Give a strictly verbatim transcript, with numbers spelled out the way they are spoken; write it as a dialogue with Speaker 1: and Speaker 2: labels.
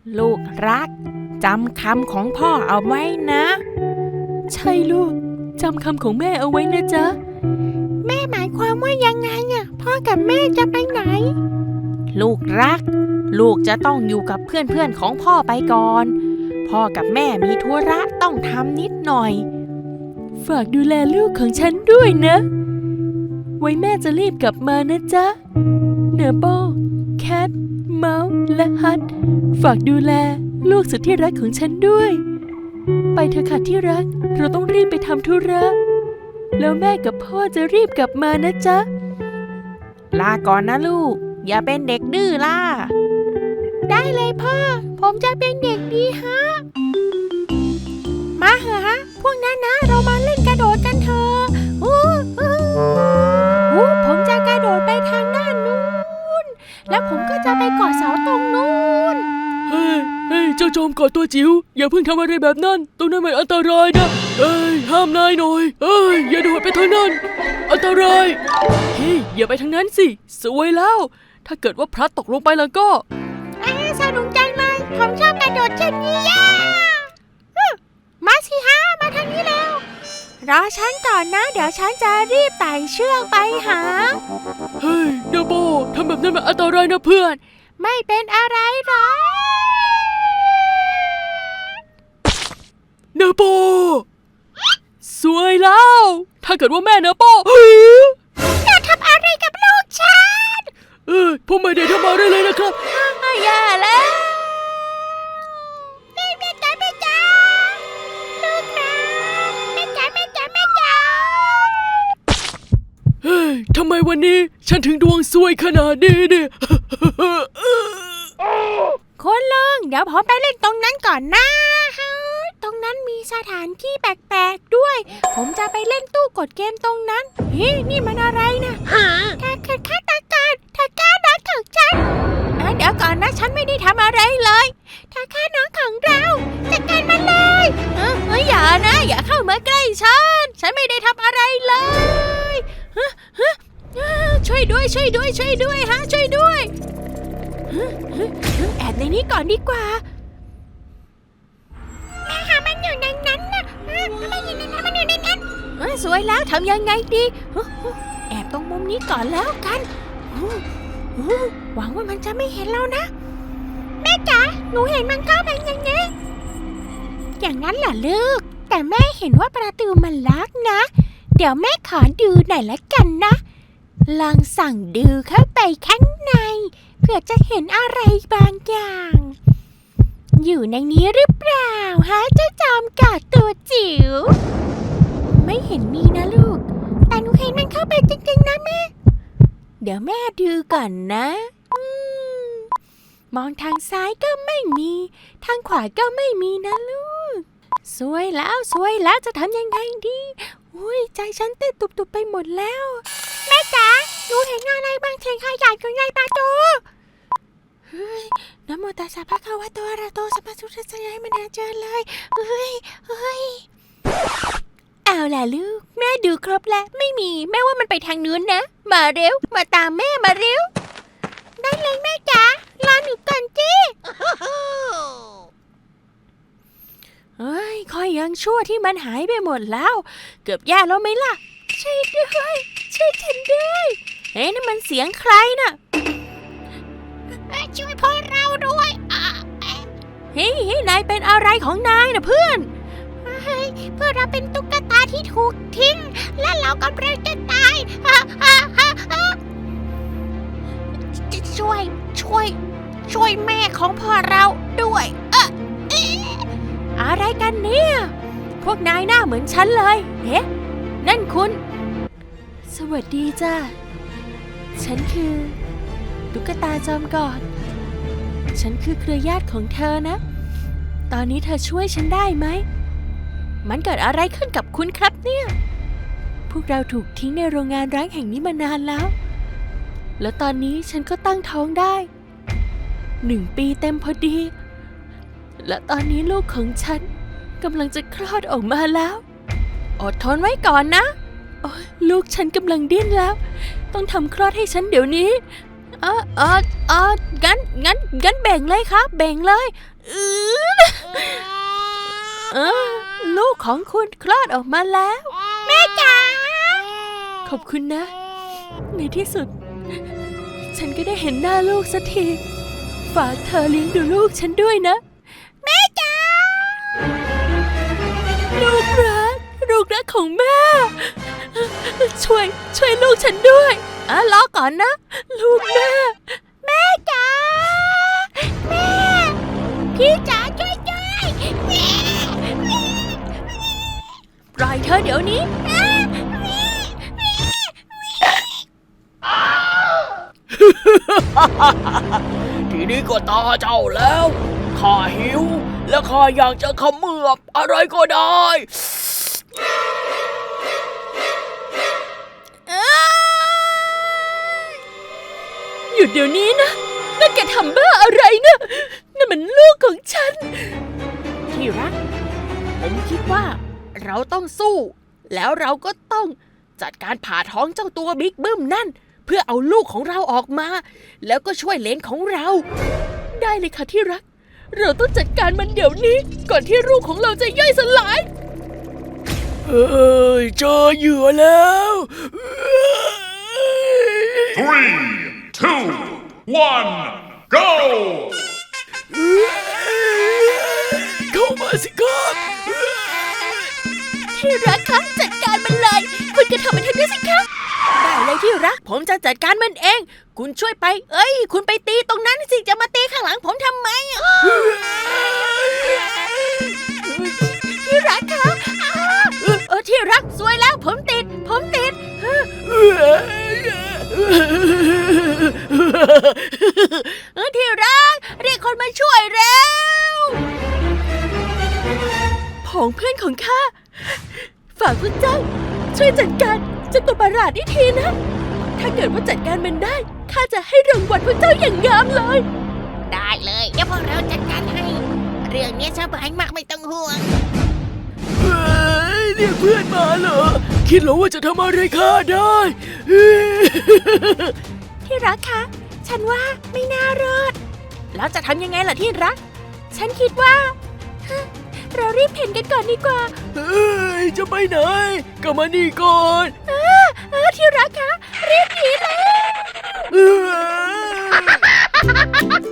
Speaker 1: ลูกรักจำคำของพ่อเอาไว้นะใช่ลูกจำคำของแม่เอาไว้นะจ๊ะแม่หมายความว่ายังไงอ่ะพ่อกับแม่จะไปไหนลูกรักลูกจะต้องอยู่กับเพื่อนๆของพ่อไปก่อนพ่อกับแม่มีธุระต้องทำนิดหน่อยฝากดูแลลูกของฉันด้วยนะไว้แม่จะรีบกลับมานะจ๊ะเนโบแคทเมาส์และฮัทฝากดูแลลูกสุดที่รักของฉันด้วยไปเถอะค่ะที่รักเราต้องรีบไปทำธุระแล้วแม่กับพ่อจะรีบกลับมานะจ๊ะลาก่อนนะลูกอย่าเป็นเด็กดื้อล่ะได้เลยพ่อผมจะเป็นเด็กดีฮะมาเหอะฮะพวกนั้นนะเรามาเล่นกระโดดกันเถอะอู้อู้อู้ผมจะกระโดดไปทางด้านนู้นแล้วผมก็จะไปเกาะเสาตรงนู้น
Speaker 2: เฮ้ยเฮ้ยเจ้าโจมกอดตัวจิ๋วอย่าเพิ่งทำอะไรแบบนั้นตรงนั้นมันอันตรายนะเอ้ยห้ามนายหน่อยเอ้ยอย่าโดดไปทางนั้นอันตรายเฮ้ยอย่าไปทางนั้นสิสวยแล้วถ้าเกิดว่าพลัดตกลงไปแล้วก็
Speaker 1: เอ้สนุกจังเลยผมชอบกระโดดเช่นนี้ย่ามาสิฮะมาทางนี้แล้วรอฉันก่อนนะเดี๋ยวฉันจะรีบไต่เชือกไปหา
Speaker 2: เฮ้ยเดโบทำแบบนั้นมันอันตรายนะเพื่อน
Speaker 1: ไม่เป็นอะไรหรอก
Speaker 2: เนโบสวยแล้วถ้าเกิดว่าแม่เนโบ
Speaker 1: จะทำอะไรกับลูกฉัน
Speaker 2: เออผมไม่ได้ทำอะไรเลยนะครับ
Speaker 1: อย่าแล้วแม่แม่จ๋าแม่จ๋าลูกนะแม่จ๋าแม่จ๋าแม่จ๋า
Speaker 2: เฮ้ยทำไมวันนี้ฉันถึงดวงซวยขนาดนี้เนี่ย
Speaker 1: คุณลุงเดี๋ยวผมไปเล่นตรงนั้นก่อนนะตรงนั้นมีสถานที่แปลกๆด้วยผมจะไปเล่นตู้กดเกมตรงนั้นเฮ้ยนี่มันอะไรนะถ้าเกิดฆาตกรถ้าฆ่าน้องของฉันเดี๋ยวก่อนนะฉันไม่ได้ทำอะไรเลยถ้าฆ่าน้องของเราจัดการมันเลยเฮ้ยอย่านะอย่าเข้ามาใกล้ฉันฉันไม่ได้ทำอะไรเลยช่วยด้วยช่วยด้วยช่วยด้วยฮะช่วยด้วยแอบในนี้ก่อนดีกว่าแม่หามันอยู่ในนั้นนะมันอยู่ในนั้นมันอยู่ในนั้นสวยแล้วทำยังไงดีแอบตรงมุมนี้ก่อนแล้วกันหวังว่ามันจะไม่เห็นเรานะแม่จ๋าหนูเห็นมันเข้าไปอย่างนี้อย่างนั้นเหรอลูกแต่แม่เห็นว่าประตูมันล็อกนะเดี๋ยวแม่ขอดูหน่อยละกันนะลองสั่งดูเข้าไปข้างในเพื่อจะเห็นอะไรบางอย่างอยู่ในนี้หรือเปล่าฮะเจ้าจอมกอดตัวจิ๋วไม่เห็นมีนะลูกแต่หนูเห็นมันเข้าไปจริงๆนะแม่เดี๋ยวแม่ดูก่อนนะมองทางซ้ายก็ไม่มีทางขวาก็ไม่มีนะลูกสวยแล้วสวยแล้วจะทำยังไงดีอุ้ยใจฉันเต้นตุบๆไปหมดแล้วแม่จ๋าหนูเห็นอะไรบางเสียงขยับอยู่ในประตูเฮ้ยนะโมตัสสะภะคะวะโตอะระหะโตสัมมาสัมพุทธัสสะให้มันเจอเลยเฮ้ยเฮ้ยเอาล่ะลูกแม่ดูครบแล้วไม่มีแม่ว่ามันไปทางนู้นนะมาเร็วมาตามแม่มาเร็วได้เลยแม่จ๋ารอหนูก่อนจี้เฮ้ยคอยยังชั่วที่มันหายไปหมดแล้วเกือบแย่แล้วไหมล่ะช่วยด้วยช่วยฉันด้วยเฮ้ยนั่นมันเสียงใครน่ะช่วยพวกเราด้วยเฮ้ยเฮ้ยนายเป็นอะไรของนายนะเพื่อนเฮ้ยเพื่อเราเป็นตุ๊กตาที่ถูกทิ้งและเรากำลังจะตายช่วยช่วยช่วยแม่ของพ่อเราด้วยเอะอะไรกันเนี่ยพวกนายหน้าเหมือนฉันเลยเฮ้นั่นคุณสวัสดีจ้าฉันคือตุ๊กตาจอมกอดฉันคือเครือญาติของเธอนะตอนนี้เธอช่วยฉันได้ไหมมันเกิดอะไรขึ้นกับคุณครับเนี่ยพวกเราถูกทิ้งในโรงงานร้างแห่งนี้มานานแล้วแล้วตอนนี้ฉันก็ตั้งท้องได้หนึ่งปีเต็มพอดีและตอนนี้ลูกของฉันกำลังจะคลอดออกมาแล้วอดทนไว้ก่อนนะลูกฉันกำลังดิ้นแล้วต้องทำคลอดให้ฉันเดี๋ยวนี้เออเออเอองั้นงั้นงั้นแบ่งเลยครับแบ่งเลยอือเออลูกของคุณคลอดออกมาแล้ว แม่จ๋าขอบคุณนะ ในที่สุด ฉันก็ได้เห็นหน้าลูกสักทีฝากเธอเลี้ยงดูลูกฉันด้วยนะ แม่จ๋าลูกรักลูกรักของแม่ ช่วยช่วยลูกฉันด้วยอ่ะรอก่อนนะ ลูกแม่ แม่จ๋าแม่พี่จ๋าช่วยด้วยแม่ปล่อยเธอเดี๋ยวนี้
Speaker 2: ทีนี้ก็ตาเจ้าแล้วข้าหิวและข้าอยากจะเขมือบอะไรก็ได้
Speaker 1: หยุดเดี๋ยวนี้นะนั่นแกทำบ้าอะไรนะนั่นมันลูกของฉัน ที่รัก ผมคิดว่าเราต้องสู้ แล้วเราก็ต้องจัดการผ่าท้องเจ้าตัวบิ๊กบึ้มนั่น เพื่อเอาลูกของเราออกมา แล้วก็ช่วยเลนของเรา ได้เลยค่ะที่รัก เราต้องจัดการมันเดี๋ยวนี้ ก่อนที่ลูกของเราจะย่อยสลาย
Speaker 2: เอ้ยเจอเหยื่อแล้ว
Speaker 3: Three, two, one, go!
Speaker 2: เข้ามาสิครับ
Speaker 1: ที่รักคะจัดการมันเลยคุณจะทำมันทันทีสิคะได้เลยที่รักผมจะจัดการมันเอง คุณช่วยไป เอ้ย คุณไปตีตรงนั้นสิจะมาตีข้างหลังผมทำไมอะที่รักคะอ้าเออที่รักสวยแล้วผมติด ผมติดเออที่รักเรียกคนมาช่วยเร็วผองเพื่อนของข้าฝากคุณเจ้าช่วยจัดการเจ้าตัวประหลาดนี่ทีนะ ถ้าเกิดว่าจัดการมันได้ข้าจะให้รางวัลพวกเจ้าอย่างงามเลย ได้เลยเดี๋ยวพวกเราจัดการให้ เรื่องนี้สบายมากไม่ต้องห่วง
Speaker 2: เฮ้ยเรียกเพื่อนมาเหรอ คิดเหรอว่าจะทำอะไรข้าได้
Speaker 1: ที่รักคะฉันว่าไม่น่ารอดแล้วจะทำยังไงล่ะที่รัก ฉันคิดว่าฮะเรารีบเพ่นกันก่อนดีกว่า
Speaker 2: เฮ้ยจะไปไหนก็มานี่ก่อน
Speaker 1: เออเออที่รักคะรีบหนีเลย
Speaker 2: เอ้ย